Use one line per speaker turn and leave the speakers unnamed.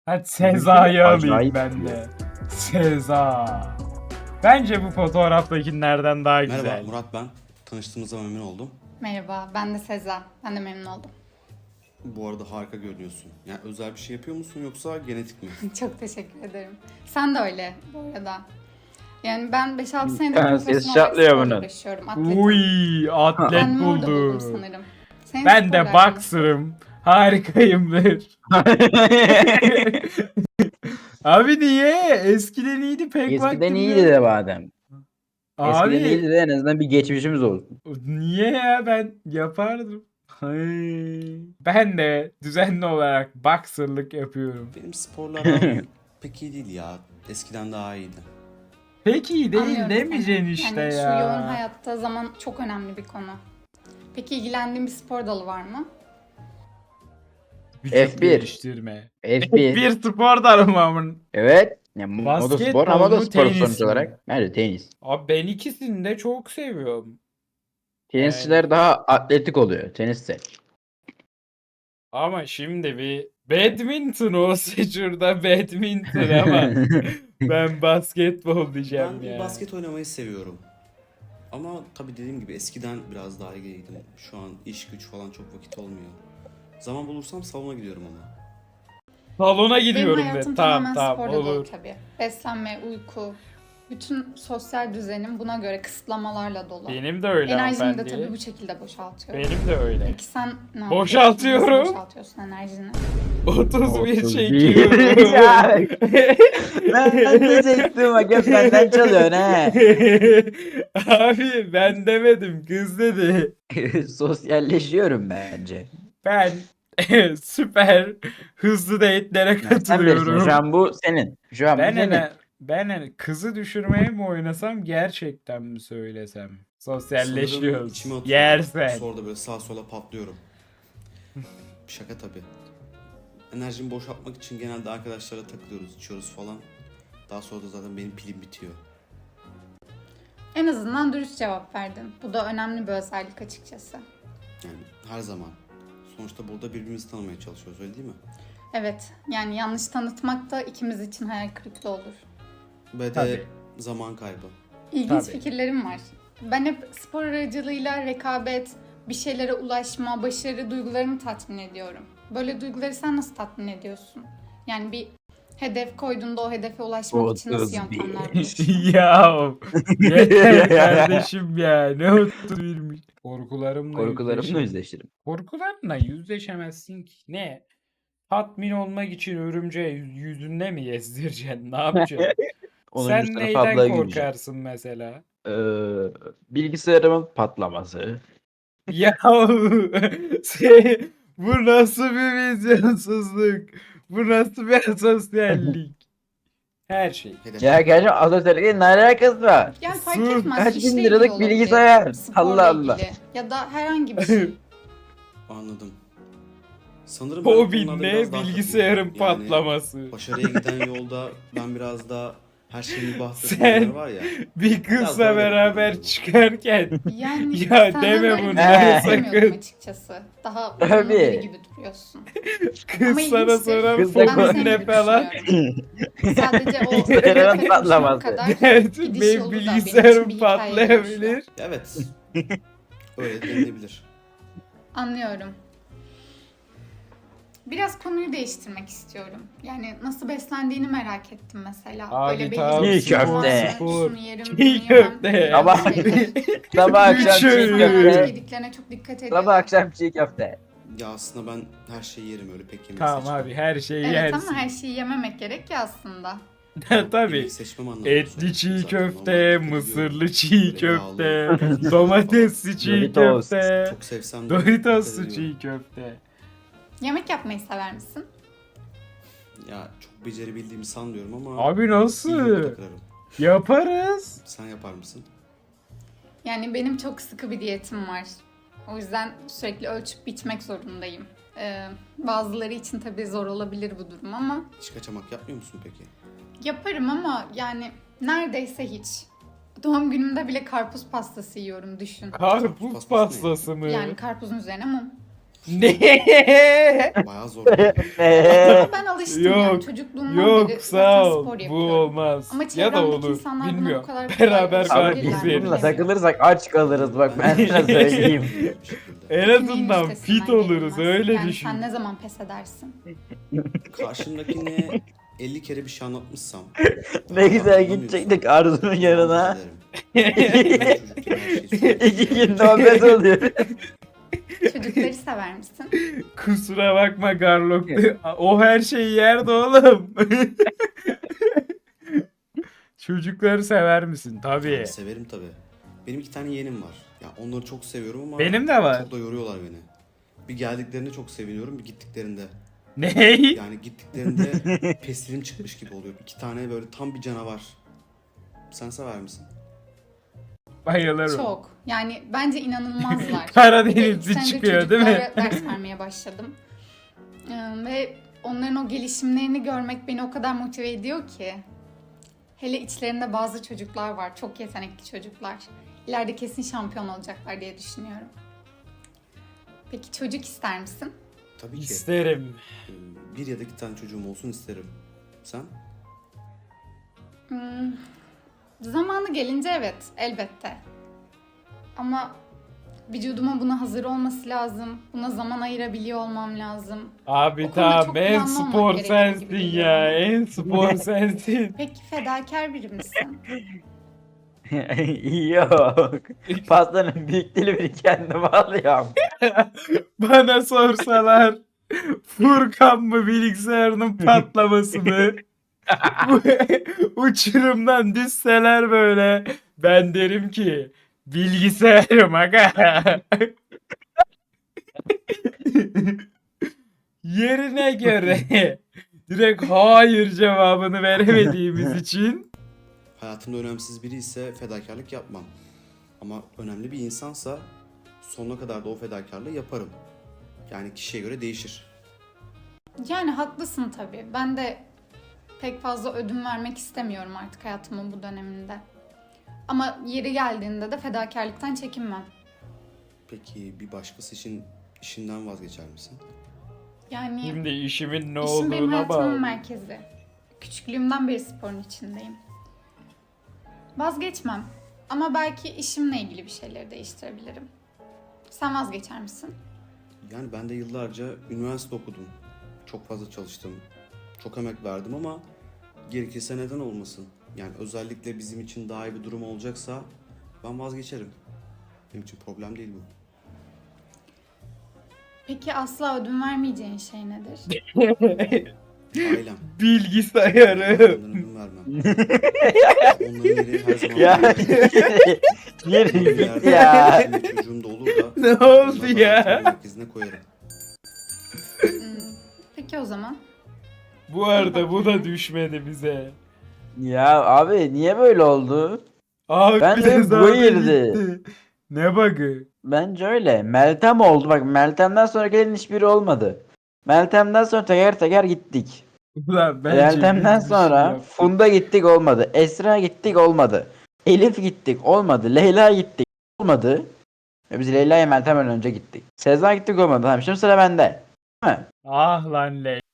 Hadi Seza'yı alayım
Acayip
ben
duruyor.
de. Seza. Bence bu fotoğraftakilerden daha
Merhaba
güzel.
Murat ben. Tanıştığımıza memnun oldum.
Merhaba, ben de Seza. Ben de memnun oldum.
Bu arada harika görünüyorsun. Yani özel bir şey yapıyor musun yoksa genetik mi?
Çok teşekkür ederim. Sen de öyle bu arada. Yani ben 5-6 senedir
Ses
profesyonel
çatlıyor
olarak sporla
bunun.
uğraşıyorum. Atletim.
Uy, atlet
Kendimi orada buldum
buldu.
sanırım. Senin
Ben de
sporla aran nasıl?
boxer'ım. Harikayımdır. Abi niye? Eskiden iyiydi pek
Eskiden
vaktim
iyiydi
yok.
de madem. Eskiden
Abi
iyiydi de en azından bir geçmişimiz olsun.
niye ya, ben yapardım. Ay. Ben de düzenli olarak boxer'lık yapıyorum.
Benim sporla aram pek iyi değil ya. Eskiden daha iyiydi.
Pek iyi değil
Anlıyorum
demeyeceksin
seni.
işte
yani
ya.
Şu yoğun hayatta zaman çok önemli bir konu. Peki ilgilendiğin bir spor dalı var mı?
Vücut
F1.
geliştirme.
F1.
Bir spor dalı amın.
Evet. Ya,
Basketbol
motospor ama
mu,
da spor
tenis
sonuç
mi?
olarak. Nerede tenis?
Abi ben ikisini de çok seviyorum.
Tenisçiler daha atletik oluyor. Teniste.
Ama şimdi bir badminton olsa şurada badminton ama ben basketbol diyeceğim
Ben
ya.
basket oynamayı seviyorum. Ama tabii dediğim gibi eskiden biraz daha ilgiliydim. Şu an iş güç falan çok vakit olmuyor. Zaman bulursam salona gidiyorum ama.
Salona
Benim
gidiyorum
hayatım
de. Tamam
tamamen
tamam
sporla dolu
olur.
tabii. Beslenme, uyku, bütün sosyal düzenim buna göre kısıtlamalarla dolu.
Benim de öyle
Enerjimi de tabii
hanımefendi.
bu şekilde boşaltıyorum.
Benim de öyle.
Peki sen ne yapıyorsun?
Boşaltıyorum.
Nasıl boşaltıyorsun enerjini?
31
31.
çekiyorum.
Ya, ben de çektim bak hep benden çalıyorsun he.
Abi ben demedim, kız dedi.
Sosyalleşiyorum bence.
Ben süper hızlı date'lere
Ya, sen bilirsin şu
katılıyorum.
an bu senin. Şu an bu
Ben
senin.
ben kızı düşürmeye mi oynasam, gerçekten mi söylesem?
Sanırım
Sosyalleşiyoruz.
içime oturuyor.
Yersen.
Sonra da böyle sağa sola patlıyorum. Şaka tabii. Enerjimi boşaltmak için genelde arkadaşlara takılıyoruz, içiyoruz falan. Daha sonra da zaten benim pilim bitiyor.
En azından dürüst cevap verdin. Bu da önemli bir özellik açıkçası.
Yani her zaman. Sonuçta burada birbirimizi tanımaya çalışıyoruz, öyle değil mi?
Evet, yani yanlış tanıtmak da ikimiz için hayal kırıklığı olur.
Ve de
Tabii.
zaman kaybı.
İlginç
Tabii.
fikirlerim var. Ben hep spor aracılığıyla rekabet, bir şeylere ulaşma, başarı duygularımı tatmin ediyorum. Böyle duyguları sen nasıl tatmin ediyorsun? Yani bir hedef koyduğunda o hedefe ulaşmak için nasıl
31.
yöntemler buluyorsun?
Ya yeter kardeşim ya, ne oturmuş.
Korkularımla yüzleşirim.
Korkularınla yüzleşemezsin ki. Ne? Tatmin olmak için örümceği yüzünde mi gezdireceksin? Ne yapacaksın?
10.
Sen
sınıf
neyden
ablaya gideceğim.
korkarsın mesela?
Bilgisayarımın patlaması.
Ya bu nasıl bir vizyonsuzluk? Bu nasıl bir asosyallik? Her şey.
Hedef.
Ya gerçekten asosyallikle ne alakası var?
Yani fark
Sus,
etmez.
kaç
işle
bin
ilgili
liralık
olabilir,
bilgisayar?
sporla
Allah Allah.
ilgili ya da herhangi bir şey.
Anladım. Sanırım ben
Hobin
konularda
ne?
biraz daha
Bilgisayarın
katılıyorum. Yani
patlaması.
başarıya giden yolda ben biraz daha her şeyin bahtı
Sen-
var ya.
Bir
Biraz
kızla
daha
beraber
yapıyorum.
Yani
çıkarken Ya
senden
deme
öyle bir
bunları
şey beklemiyordum
sakın.
açıkçası. Daha
Tabii.
uyumlu biri gibi duruyorsun.
kız
Ama
sana
ilginçtir.
soran
Kız da
Ben de
fobin
senin
ne
gibi
falan.
düşünüyorum. Sadece o
Bilgisayarın
hedefe
patlaması.
ulaşmak kadar
Evet,
gidiş
benim
yolu da benim için
bilgisayarım
bir hikaye
patlayabilir.
Evet. Öyle denilebilir.
Anlıyorum. Biraz konuyu değiştirmek istiyorum. Yani nasıl beslendiğini merak ettim mesela.
Abi
Böyle belli
tamam,
bir
Çiğ köfte.
varsa,
spor.
şunu yerim,
Çiğ
bunu yemem.
köfte.
Sabah, sabah akşam çiğ
Üçü.
İnsanlar
köfte.
yediklerine çok dikkat ediyorum.
Sabah akşam çiğ köfte.
Ya aslında ben her şeyi yerim, öyle pek yemek
Tamam
seçmem.
abi, her şeyi
Evet
yersin.
ama her şeyi yememek gerek ya aslında.
Tabii.
Yemek seçmem anlamında
Etli
söyledim
çiğ
zaten.
köfte,
Normalde dikkat
mısırlı
ediyorum.
çiğ
Böyle yağlı,
köfte,
tuzlu
domatesli çiğ
Doritos.
köfte,
Çok sevsem de
Doritoslu
dikkat
çiğ
ediyorum.
köfte.
Yemek yapmayı sever misin?
Ya çok becerebildiğimi sanmıyorum ama
Abi
iyi
nasıl?
yumurta kırarım.
Yaparız.
Sen yapar mısın?
Yani benim çok sıkı bir diyetim var. O yüzden sürekli ölçüp biçmek zorundayım. Bazıları için tabii zor olabilir bu durum ama
Hiç kaçamak yapmıyor musun peki?
yaparım ama yani neredeyse hiç. Doğum günümde bile karpuz pastası yiyorum düşün.
Karpuz
Pastası
pastası mı?
Yani karpuzun üzerine mum.
Ne?
Bayağı zor.
Ama ben alıştım yani
Yok.
çocukluğumdan
Yok
beri
sağ
zaten
ol.
spor
Bu
yapıyorum.
olmaz.
Ama
Ya da
çevremdeki
olur.
insanlar buna bu
Bilmiyorum.
kadar kolay
Beraber
alışabilirler.
Abi biz
alışabilirler.
bununla takılırsak aç kalırız bak ben sana söyleyeyim.
Bir şekilde.
En
Neyin
azından
üstesinden
fit oluruz
gelinmez?
öyle
yani
düşün.
sen ne zaman pes edersin?
Karşımdakine 50 kere bir şey anlatmışsam.
Ne güzel
anlamıyorsam,
gidecektik Arzu'nun yanına.
özür dilerim. Ben çocukken her şeyi söylüyorum.
2 gün nöbet oluyor.
Çocukları sever misin?
Kusura bakma Garlock. O her şeyi yerdi oğlum. Çocukları sever misin? Tabii.
Tabii severim tabii. Benim 2 tane yeğenim var. Ya onları çok seviyorum ama
Benim de var.
çok da yoruyorlar beni. Bir geldiklerinde çok seviniyorum, bir gittiklerinde.
Ney?
Yani gittiklerinde pestilim çıkmış gibi oluyor. 2 tane böyle tam bir canavar. Sen sever misin?
Bayılırım.
Çok. Yani bence inanılmazlar.
Karadenizli
Bir de 2 senedir
çıkıyor, değil mi?
çocuklara ders vermeye başladım. Ve onların o gelişimlerini görmek beni o kadar motive ediyor ki. Hele içlerinde bazı çocuklar var. Çok yetenekli çocuklar. İleride kesin şampiyon olacaklar diye düşünüyorum. Peki çocuk ister misin?
Tabii ki.
İsterim.
Bir ya da 2 tane çocuğum olsun isterim. Sen?
Hmm, zamanı gelince evet, elbette. Ama vücuduma buna hazır olması lazım. Buna zaman ayırabiliyor olmam lazım.
Abi
O konuda
tamam
çok
en
planlı olmak
spor
gerekiyor
sensin
gibi
ya.
geliyor
En spor sensin.
Peki fedakar biri misin?
Yok. Pastanın büyük dilimini kendim alıyorum.
Bana sorsalar Furkan mı bilgisayarının patlaması mı? Bu uçurumdan düşseler böyle ben derim ki bilgisayarım aga. Yerine göre direkt hayır cevabını veremediğimiz için
Hayatımda önemsiz biri ise fedakarlık yapmam. Ama önemli bir insansa sonuna kadar da o fedakarlığı yaparım. Yani kişiye göre değişir.
Yani haklısın tabii. Ben de pek fazla ödün vermek istemiyorum artık hayatımın bu döneminde. Ama yeri geldiğinde de fedakarlıktan çekinmem.
Peki bir başkası için işinden vazgeçer misin?
Yani
şimdi işimin ne
işim benim
olduğuna
hayatımın
bağlı.
merkezi. Küçüklüğümden beri sporun içindeyim. Vazgeçmem. Ama belki işimle ilgili bir şeyleri değiştirebilirim. Sen vazgeçer misin?
Yani ben de yıllarca üniversite okudum. Çok fazla çalıştım. Çok emek verdim ama gerekirse neden olmasın? Yani özellikle bizim için daha iyi bir durum olacaksa ben vazgeçerim. Benim için problem değil bu.
Peki asla ödün vermeyeceğin şey nedir?
Ailem.
Bilgisayarım.
Ondan ödün vermem. Onların yeri her zaman
Ya.
Yeri
Yürü
bir
git
yerde
ya.
benim çocuğum da olur da
Ne
onları
oldu
da
ya?
hayatımın merkezine koyarım.
Hmm, peki o zaman.
Bu arada bu da düşmedi bize.
Ya abi niye böyle oldu?
Abi
Ben de
de
bu girdi.
gitti. Ne bug'ı?
Bence öyle. Meltem oldu. Bak Meltem'den sonra gelen hiçbiri olmadı. Meltem'den sonra teker teker gittik.
Ulan bence
Meltem'den
biz bir şey
sonra
yaptık.
Funda gittik olmadı. Esra gittik olmadı. Elif gittik olmadı. Leyla gittik olmadı. Biz Leyla'ya Meltem'den önce gittik. Sezar gittik olmadı. Tamam şimdi sıra bende. Değil mi?
Ah lan